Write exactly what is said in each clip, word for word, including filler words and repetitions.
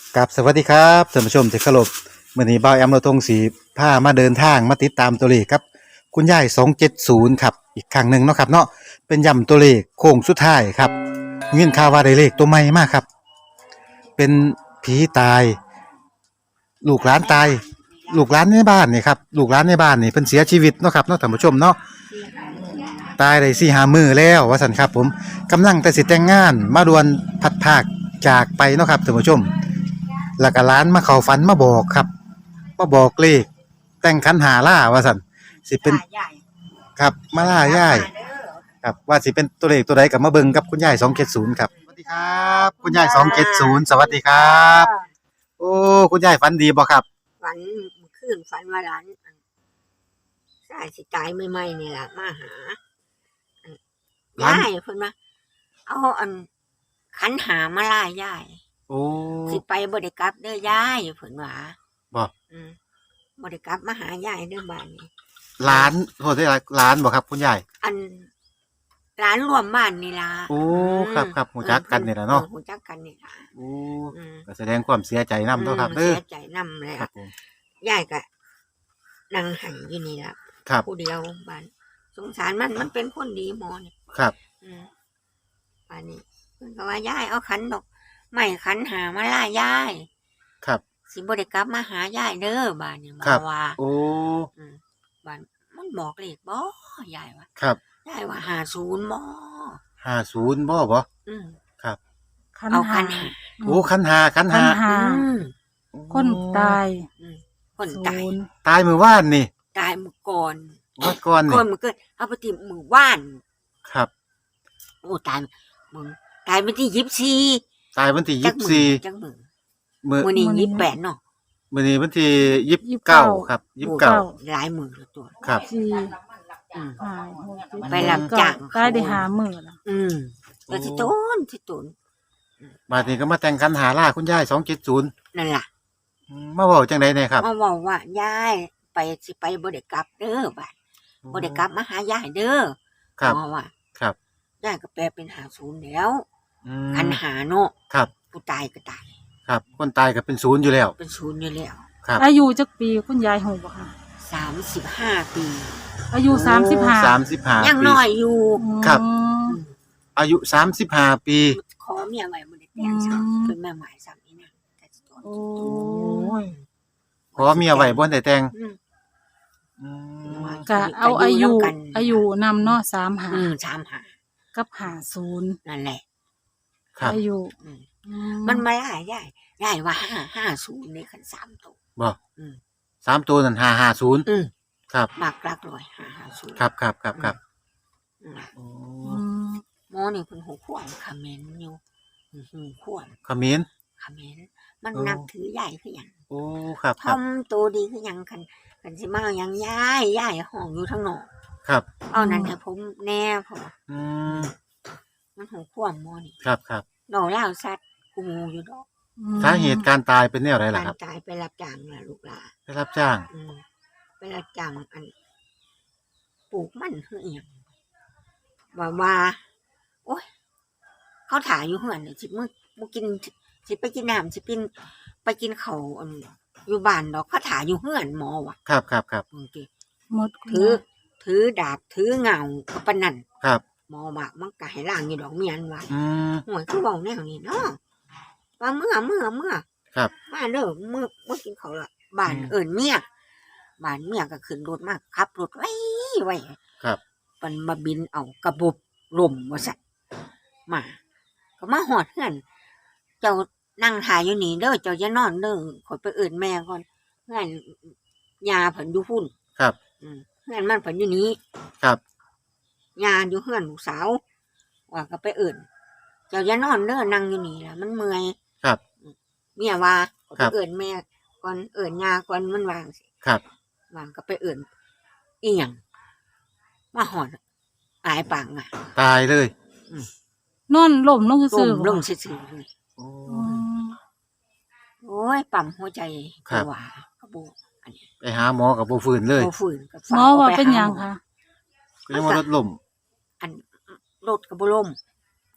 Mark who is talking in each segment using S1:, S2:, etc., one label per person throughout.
S1: กับสวัสดีครับท่านผู้ชมที่เคารพมื้อนี้บ่าวแอมเราทงสีพามาเดินทางมาติดตามตัวเลขครับคุณยายสองเจ็ดศูนย์ครับอีกครั้งหนึ่งเนาะครับเนาะเป็นย่ำตัวเลขโค้งสุดท้ายครับเงินข่าวว่าได้เลขตัวใหม่มากครับเป็นผีตายลูกหลานตายลูกหลานในบ้านนี่ครับลูกหลานในบ้านนี่เพิ่นเสียชีวิตเนาะครับเนาะท่านผู้ชมเนาะตายได้สี่ห้ามื้อแล้วว่าซั่นครับผมกำลังแต่สิแต่งงานมาดวนพัดภาคจากไปเนาะครับท่านผู้ชม แล้วก็ร้านมาเข้าฝันมาบอกครับมาบอกเลขแต่งขันหาล่าว่าซั่นสิเป็นครับมาล่าย่ายครับว่าสิเป็นตัวเลขตัวใดก็มาเบิ่งกับคุณยายสองเจ็ดศูนย์ครับสวัสดีครับคุณยายสองเจ็ดศูนย์สวัสดีครับโอ้คุณยายฝันดีบ่ครับ
S2: ฝันเมื่อคืนฝันว่าหลานอันชายสิตายใหม่ๆนี่ล่ะมาหาอันยายเพิ่นว่าเอาอันขันหามาล่ายาย
S1: โอ้
S2: สิไปบ่ได้กลับเด้อยายเพิ่นว่า
S1: บ่
S2: อืมบ่ได้กลับมาหายายเด้อบ้านนี้
S1: ร้านโทษได้ร้านบ่ครับคุณยาย
S2: อันร้านรวมบ้านนี่ล่ะ
S1: โอ้ครับครับฮู้จักกันนี่ล่ะเนาะ
S2: ฮู้จักกันนี่ล่ะ
S1: โอ้ก็แสดงความเสียใจนำเนาะครับ
S2: เด้อเสียใจนำแล้วยายก็นั่งหันอยู่นี่ล่ะผู้เดียวบ้านสงสารมันมันเป็นคนดีหมอนี่
S1: ครับ
S2: อืมบ้านนี้เพิ่นก็ว่ายายเอาขันดอกไม้ขันหามาล่ายาย
S1: ครับ
S2: สิบ่ได้กลับมาหายายเด้อบ้านนี้มาว่า
S1: โอ้
S2: อืมบ้านมันบอกเลขบ่ยายว่า
S1: ครับ
S2: ยายว่าห้าสิบบ่
S1: ห้าสิบบ่บ่
S2: อืม
S1: ครับ
S2: เอาขันหา
S1: โอ้ขันหาขันหา
S3: คนตาย
S2: อืมคนตาย
S1: ตายมื้อวานนี่
S2: ตายมื้อก่อน
S1: มื้อก่อนนี่
S2: ก่อนมื้อเกิดเอาไปที่มื้อว่าน
S1: ครับ
S2: โอ้ตายมึงตายวันที่ยี่สิบสี่
S1: ตายวันที่ยี่สิบสี่
S2: จังมื้อ
S1: มื้อ
S2: มื้อนี้ยี่สิบแปดเนาะ
S1: มื้อนี้วันที่ยี่สิบเก้าครับยี่สิบเก้า
S2: หลายมื้อตัว
S1: ครับ
S3: สี่
S2: อืม
S3: ไปรับจ้างตายได้ห้ามื้อแล้ว
S2: อืมก็สิโตนสิโตน
S1: บัดนี้ก็มาแต่งขันหาล่าคุณยายสองเจ็ดศูนย์
S2: นั่นล่ะ
S1: มาเว้าจังได๋แน่ครับ
S2: มาเว้าว่ายายไปสิไปบ่ได้กลับเด้อบัดบ่ได้กลับมาหายายเด้อ
S1: ครับ
S2: ว่า
S1: ครับ
S2: ยายก็แปลเป็นห้าสิบแล้วขันหาเนาะ
S1: ครับ
S2: ผู้ตายก็ตาย
S1: ครับคนตายก็เป็นศูนย์อยู่แล้ว
S2: เป็นศูนย์อยู่แล้ว
S1: ครับ
S3: อายุจักปีคุณยายฮู้บ่คะ
S2: สามสิบห้าปี
S3: อายุสามสิบห้า
S1: สามสิบห้า
S2: ยังน้อยอยู่
S1: ครับอายุสามสิบห้าปี
S2: ขอเมียไว้บ่ได้แต่งซ้ํเป็นแม่หมายซ้ํนี่นะ
S3: โอ้
S1: ยขอเมียไว้บ่ได้แต่ง
S3: อืมก็เอาอายุอายุนำเนาะสามสิบห้า
S2: อืมสามสิบห้า
S3: กับห้าสิบ
S2: นั่นแหละ
S1: ครับ
S3: อายุ
S2: มันมาหลายยายยายว่าห้า ห้าสิบนี่คันสามตัว
S1: บ่อืมสามตัวนั่นห้าห้าศูนย์
S2: อืม
S1: ครับ
S2: มากลักร้อยห้าห้าศูนย์
S1: ครับครับครับครับ
S2: อ๋อหมอนี่เพิ่นหูขวานคอมเมนต์อยู่หูขวาน
S1: คอมเมนต์
S2: คอมเมนต์มันนับถือยายคือหยัง
S1: โอ้ครับ
S2: ทำตัวดีคือหยังคันคันสิมาหยังยายยายห้องอยู่ทางนอก
S1: ครับ
S2: เอานั่นให้ผมแน่พอ
S1: อืม
S2: มันหูขวานหมอนี่
S1: ครับครับ
S2: ดอกลาวสัตว์กูอยู่ดอก
S1: สาเหตุการตายเป็นแนวใดล่ะครับ
S2: การตายไปรับจ้างล่ะลูกหลาน
S1: ไปรับจ้าง
S2: อืมไปรับจ้างอันปลูกมันคืออีหยังว่าว่าโอ๊ยเขาถ่ายอยู่เฮือนน่ะสิมื้อบ่กินสิไปกินน้ำสิกินไปกินข้าวอันอยู่บ้านดอกเขาถ่ายอยู่เฮือนหมอว่ะ
S1: ครับครับครับ
S2: โอเค
S3: หมด
S2: ถือถือดาบถือเงาก็ปานนั้น
S1: ครับ
S2: หมอว่ามันก็ให้ล้างอยู่ดอกเมียนว่า
S1: อืม
S2: โหยคือเว้าแนวนี้เนาะว่าเมื่อเมื่อเมื่อ
S1: ครับ
S2: มาเด้อมื้อบ่กินข้าวละบ้านเอิ้นเมียบ้านเมียก็ขึ้นรถมาขับรถไว้ไว้
S1: ครับ
S2: มันมาบินเอากระบบล่มว่าซั่นมาก็มาฮอดเฮือนเจ้านั่งถ่ายอยู่นี่เด้อเจ้าอย่านอนเด้อขอยไปเอิ้นแม่ก่อนเฮือนย่าเพิ่นอยู่พุ่น
S1: ครับ
S2: อืมเฮือนมันเพิ่นอยู่นี้
S1: ครับ
S2: ย่าอยู่เฮือนลูกสาวว่าก็ไปเอิ้นเจ้าอย่านอนเด้อนั่งอยู่นี่ล่ะมันเมื่อย
S1: ครับ
S2: เมียว่าไปเอิ้นแม่ก่อนเอิ้นย่าก่อนมันว่าจังซี่
S1: ครับ
S2: ว่าก็ไปเอิ้นอีหยังมาฮอดอายปากอ่ะ
S1: ตายเลย
S2: อืม
S3: นอนล้มลงซื่อ
S2: ๆลงซื่อๆเลย
S1: โอ้
S2: โอ้ยปั๊มหัวใจก็ว่าก็บ่อันนี้
S1: ไปหาหมอก็บ่ฟื้นเลย
S2: บ่ฟื้นก็
S3: หมอว่าเป็นหยังคะ
S1: ก็ยังว่ารถล้ม
S2: อันรถก็บ่ล้ม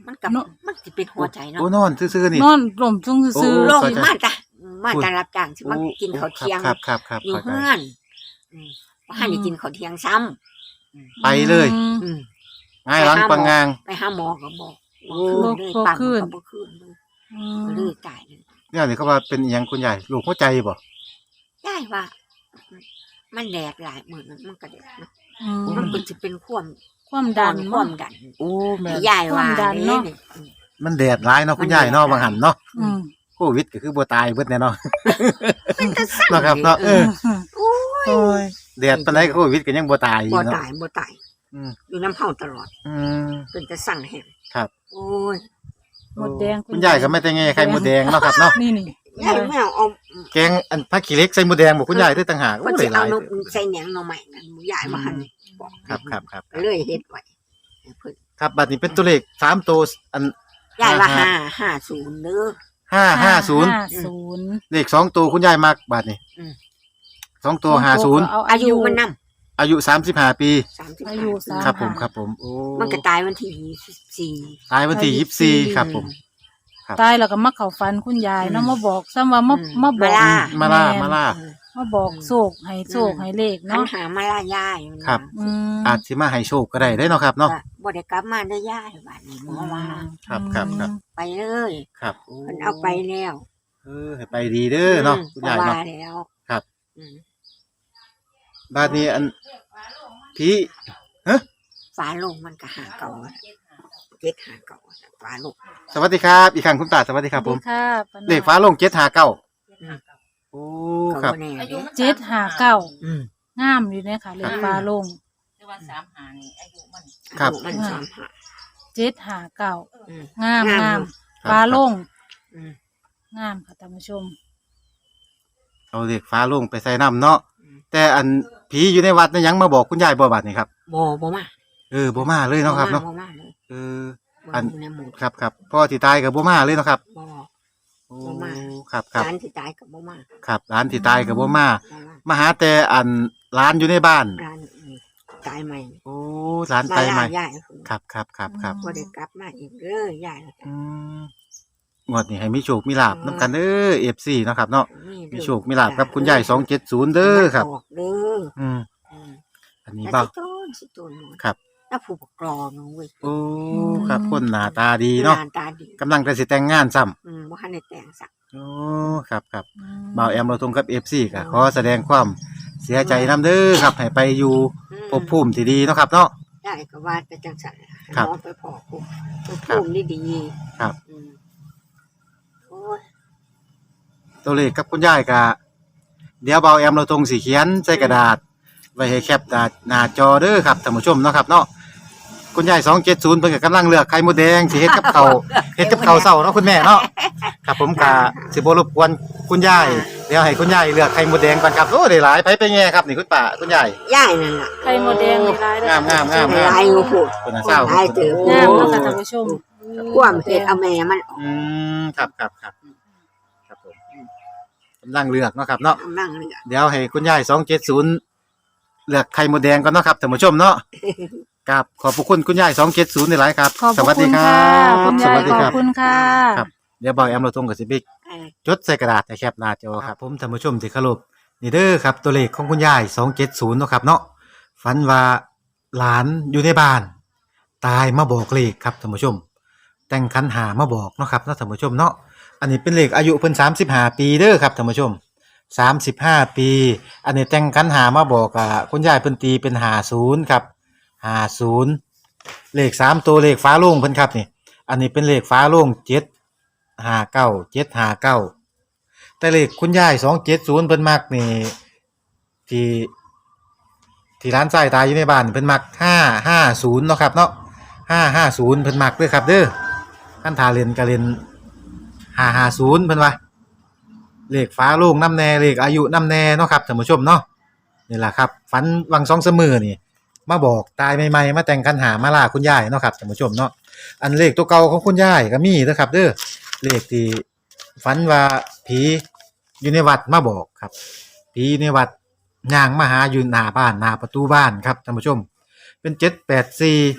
S2: มันกับ
S3: เนอะ
S2: มันสิเป็นหัวใจเนาะ
S1: โอ้นอนซื่อๆนี่
S3: นอนหล่มซุ่งซื่อ
S1: โอ้
S2: ลง
S1: เข้าใจ
S2: มาจ้ะมา
S1: พูด
S2: จะรับจ้างสิมากินข้าวเที่ยง
S1: ครับครับครับ
S2: อยู่
S1: เข้าใจ
S2: เฮือนอืมว่าให้ได้กินข้าวเที่ยงซ้ำ
S1: ไปเลย
S3: อืม
S2: อืม
S1: ง่ายหลังปังงาง
S2: ไปหาหมอก็บอก
S1: โอ้
S2: บ่คืนเลย
S3: บ่
S2: ปั๊ม
S3: คืน
S2: ก็บ่คืนเลย
S3: อื
S2: ก็
S3: ม
S2: เลยตายเลย
S1: เนี่ยนี่เขาว่าเป็นอหยังคุณยายลูกหัวใจบ่
S2: ได้ว่า มันแดดหลายมื้อนั้นมันก็แดดเนาะ
S3: อืม
S2: มันก็สิเป็นความ
S3: ความดัน
S2: ความดัน
S1: โอ้แม่น
S2: ยายว่า
S3: ความดันเนาะ
S2: นี่อืม
S1: มันแดดร้ายเนาะคุณยายเนาะบางหันเนาะ
S3: อืม
S1: โควิดก็คือบ่ตายเบิดแน่เนาะ
S2: มันก็สั่ง
S1: เนาะครับเนาะเออ
S2: โอ้ย
S1: โอ้ยแดดปานใดก็โควิดก็ยังบ่ตายอยู่
S2: บ่
S1: เนาะ
S2: ตายบ่ตาย
S1: อืม
S2: อยู่น้ำเฮาตลอด
S1: อืม
S2: เป็นแต่สั่งแห้ง
S1: ครับ
S2: โอ้ย
S3: หมดแดง
S1: คุณยายก็ไม่แต่ไงไข่มดแดงเนาะครับเนาะ
S3: นี่นี่
S2: ยายไม่เอาเอา
S1: แกงอันผักขี้เหล็กใส่มดแดงบ่คุณยายได้ต่างหาก
S2: มัน
S1: โอ้
S2: สิ
S1: ได้ห
S2: เอา
S1: ลาย
S2: นมใส่แหนงหน่อใหม่นั่นยายมาหั่นบอก
S1: ครับครับครับ
S2: ก็เลยเฮ็ดไว้ให้เพิ่น
S1: ครับบัดนี้เป็นตัวเลขสามตัวอัน
S2: ยายว่า
S1: ห้า
S2: ห้า ห้าศูนย์เด้อ
S1: ห้าห้าศูนย์
S3: ห้าศูนย์
S1: เลขสองตัวคุณยายมักบัดนี้
S2: อืม
S1: สองตัวห้าศูนย์
S3: เอา
S2: อา
S3: อา
S2: ยุ
S3: ยุ
S2: มันนำ
S1: อายุสามสิบห้าปี
S2: สามสิบ
S3: อายุสาม
S1: ครับผมครับผมโอ้
S2: มันก็ตายวันที่ยี่สิบสี่
S1: ตายวันที่ยี่สิบสี่ครับผม ครับ
S3: ตายแล้วก็มาเข้าฝันคุณยายเนาะมาบอกซ้ำว่ามา
S2: อืม
S3: มาบอก
S2: มาล่า
S1: มาล่ามาล่า
S3: มาบอกโศกให้โศกให้เลข
S2: คัน
S3: เนาะ
S2: หามาล่ายายมัน
S1: ครับ
S3: อืม
S1: อาจสิมาให้โชคก็ได้ได้เนาะครับเนาะ
S2: ก็บ่ได้กลับมาเด้อยายบัดนี้หมอว่า
S1: ครับครับครับ
S2: ไปเลย
S1: ครับโอ้
S2: มันเอาไปแล้ว
S1: เออให้ไปดีเด้อเนาะ
S2: ม
S1: คุณยาย
S2: ก็ว่า
S1: เนาะ
S2: แล้ว
S1: ครับ
S2: อืม
S1: บัดนี้อันพี่
S2: ฝาโลงมันก็หาเก่าอะเจ็ดหาเก่าอะฝาโลง
S1: สวัสดีครับอีกครั้งคุณตาสวัสดีครับผม
S3: สวัสดีค่ะปานา
S1: เลขฟ้าลงเจ็ดหาเก้า
S2: อืม
S1: โอ้
S2: ก็
S1: ครับ
S2: บ่แน่เด้
S3: เจ็ดห้าเก้า
S2: อืม
S3: งามอยู่เนี่ยค่ะเลขฟ้าลง
S4: แต่ว่าสามหานี่อายุมัน
S1: ครับ
S2: อายุมันสามหา
S3: เจ็ดห้าเก้า
S2: อืม
S3: งาม
S2: งาม
S3: งาม
S1: ครับ
S3: ฟ้าลง
S2: อืม
S3: งามค่ะท่านผู้ชม
S1: เอาเลขฟ้าลงไปใส่น้ำเนาะ
S2: อืม
S1: แต่อันผีอยู่ในวัดนั่นยังมาบอกคุณยายบ่บัดนี่ครับ
S2: บ่บ่มา
S1: เออบ่มาเลยเนาะครับเนาะ
S2: บ่มาเลย
S1: เออ
S2: บ่
S1: อัน
S2: อยู่ในหมู่
S1: ครับครับพ่อที่ตายกับบ่มาเลยเนาะครับ
S2: บ่
S1: โอ้
S2: บ่มา
S1: ครับครับ
S2: ร้านที่ตายกับบ่มา
S1: ครับร้านที่ตายกับบ่มา
S2: บ่มา
S1: มาหาแต่อันร้านอยู่ในบ้าน
S2: ร้านอืมตายใหม่
S1: โอ้ร้านตายใหม่
S2: ยาย
S1: ครับครับครับครับ
S2: บ่ได้กลับมาอีกเด้อยาย
S1: อืมงวดนี้ให้มีโชคมีลาบนํกันเด้อ เอฟ ซี เนาะครับเนาะมีโชคมีลาบกับคุณยายสองเจ็ดศูนย์เด้อครับ
S2: บอกเด้อ
S1: อืม
S2: อืม
S1: อันนี้
S2: แล้ว
S1: บ่า
S2: สิโตนสิโตนหมด
S1: ครับ
S2: แล้วผู้ปกครองเว้ย
S1: โอ้ครับคนหน้าตาดีเนาะ
S2: หตาดี
S1: กำลังจะสิแต่งงานซ้ำ
S2: อืมบ่ทันได้แต่งสัก
S1: โอ้ครับครับ
S3: อืม
S1: บ่าวแอมเราตรงกับ เอฟ ซี ก็ขอแสดงความเสียใจนำเด้อครับให้ไปอยู่
S2: อืม
S1: ภพภูมิที่ดีเนาะครับเนาะ
S2: ยายก็ว่าแต่จังซั่นให้
S1: ครับ
S2: หมอไปพอผู้ผู้ภูมิดีๆ
S1: ครับ
S2: อืมโอ้ย
S1: ตัวเลขกับคุณยายก็เดี๋ยวบ่าวแอมเราตรงสิเขียนใส่กระดาษ ไว้ให้แคปหน้าหน้าจอเด้อครับท่านผู้ชมเนาะครับเนาะคุณยายสองเจ็ดศูนย์เพิ่นก็กำลังเลือกไข่มดแดงสิเฮ็ดกับข้าว เฮ็ดกับข้าวเช้าเนาะคุณแม่เนาะครับผมก็สิบ่รบกวนคุณยายเดี๋ยวให้คุณยายเลือกไข่มดแดงก่อนครับโอ้ได้หลายไปไปแง่ครับนี่คุณป้าคุณยาย
S2: ยายนั่นล่ะ
S3: ไข่มดแดงในร้ายเด้อง
S1: ามงามงาม
S2: หลายอยู่พูด
S1: คุณน่ะเศร้า
S2: หลายเติบ
S3: งามเนาะค่ะท่านผู้ชม
S2: ความเฮ็ดเอาแม่มันออก
S1: อืมครับครับครับครับผมกำลังเลือกเนาะครับเนาะ
S2: กำลังเลือก
S1: เดี๋ยวให้คุณยายสองเจ็ดศูนย์เลือกไข่มดแดงก่อนเนาะครับท่านผู้ชมเนาะครับขอบพระคุณคุณยายสองเจ็ดศูนย์ในหลายครับ
S3: ขอบ
S1: ส
S3: พ
S1: วั
S3: ระ
S1: สดี
S3: คุณ
S1: ครั
S3: ค่ะ
S1: บ
S3: คุณ
S1: ส
S3: ยาย
S1: วัสดี
S3: ข
S1: ค
S3: อ
S1: รั
S3: บบ คุณค่ะ
S1: ครับ เดี๋ยวบ่าวแอมเราตรงกับสิบิก
S2: เออ
S1: จดใส่กระดาษให้แคปหน้าจอครับผมท่านผู้ชมที่เคารพนี่เด้อครับตัวเลขของคุณยายสองเจ็ดศูนย์เนาะครับเนาะฝันว่าหลานอยู่ในบ้าน ตายมาบอกเลขครับท่านผู้ชม แต่งคันหามาบอกเนาะครับเนาะท่านผู้ชมเนาะอันนี้เป็นเลขอายุเพิ่นสามสิบห้าปีเด้อครับท่านผู้ชมสามสิบห้าปี อันนี้แต่งคันหามาบอกอ่ะคุณยายเพิ่นตีเป็นห้าศูนย์ครับห้าศูนย์เลขสามตัวเลขฟ้าโล่งเพิ่นครับนี่ อันนี้เป็นเลขฟ้าโล่งเจ็ดห้าเก้าเจ็ดห้าเก้าแต่เลขคุณยายสองเจ็ดศูนย์เพิ่นมักนี่ที่ที่ร้านทรายตายอยู่ในบ้านเพิ่นมักห้าห้าศูนย์เนาะครับเนาะห้าห้าศูนย์เพิ่นมักเด้อครับเด้อขั้นทาเรียนก็เรียนห้าห้าศูนย์เพิ่นว่าเลขฟ้าโล่งน้ำแน่เลขอายุน้ำแน่เนาะครับท่านผู้ชมเนาะนี่แหละครับฝันวังสองเสมอนี่มาบอกตายใหม่ๆมาแต่งคันหามาล่าคุณยายเนาะครับท่านผู้ชมเนาะอันเลขตัวเก่าของคุณยายก็มีเด้อครับเด้อเลขที่ฝันว่าผีอยู่ในวัดมาบอกครับผีในวัดย่างมาหาอยู่หน้าบ้านหน้าประตูบ้านครับท่านผู้ชมเป็นเจ็ดแปดสี่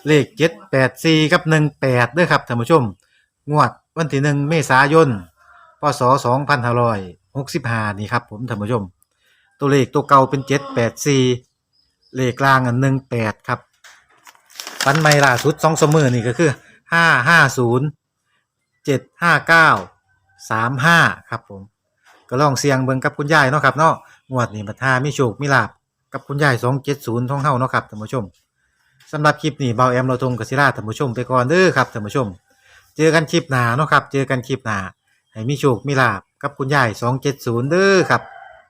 S1: เลขเจ็ดแปดสี่กับหนึ่งแปดเด้อครับท่านผู้ชมงวดวันที่หนึ่งเมษายนพศสองพันห้าร้อยหกสิบห้านี่ครับผมท่านผู้ชมตัวเลขตัวเก่าเป็นเจ็ดแปดสี่เลขกลางอันหนึ่งแปดครับฟันไม่ล่าสุดสองสมือนี่ก็คือห้าห้าศูนย์เจ็ดห้าเก้าสามห้าครับผมก็ลองเสียงเบิ่งกับคุณยายเนาะครับเนาะงวดนี้บัดหามีโชคมีลาภกับคุณยายสองเจ็ดศูนย์ท่องเฮาเนาะครับท่านผู้ชมสำหรับคลิปนี้เบาแอมเราทงกศิราท่านผู้ชมไปก่อนเด้อครับท่านผู้ชมเจอกันคลิปหน้าเนาะครับเจอกันคลิปหน้าให้มีโชคมีลาภกับคุณยายสองเจ็ดศูนย์เด้อครับ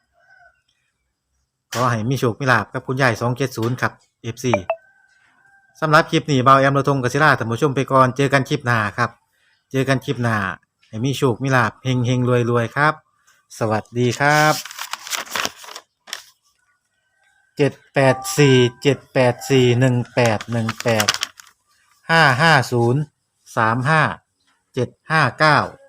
S1: ขอให้มีโชคมีลาภกับคุณยายสองเจ็ดศูนย์ครับ เอฟ ซี สำหรับคลิปนี้เบาแอมเราทงกศิราท่านผู้ชมไปก่อนเจอกันคลิปหน้าครับเจอกันคลิปหน้าให้มีโชคมีลาภเฮงเฮงรวยรวยครับสวัสดีครับเจ็ดแปดสี่เจ็ดแปดสี่หนึ่งแปดหนึ่งแปดห้าห้าศูนย์สามห้าเจ็ดห้าเก้า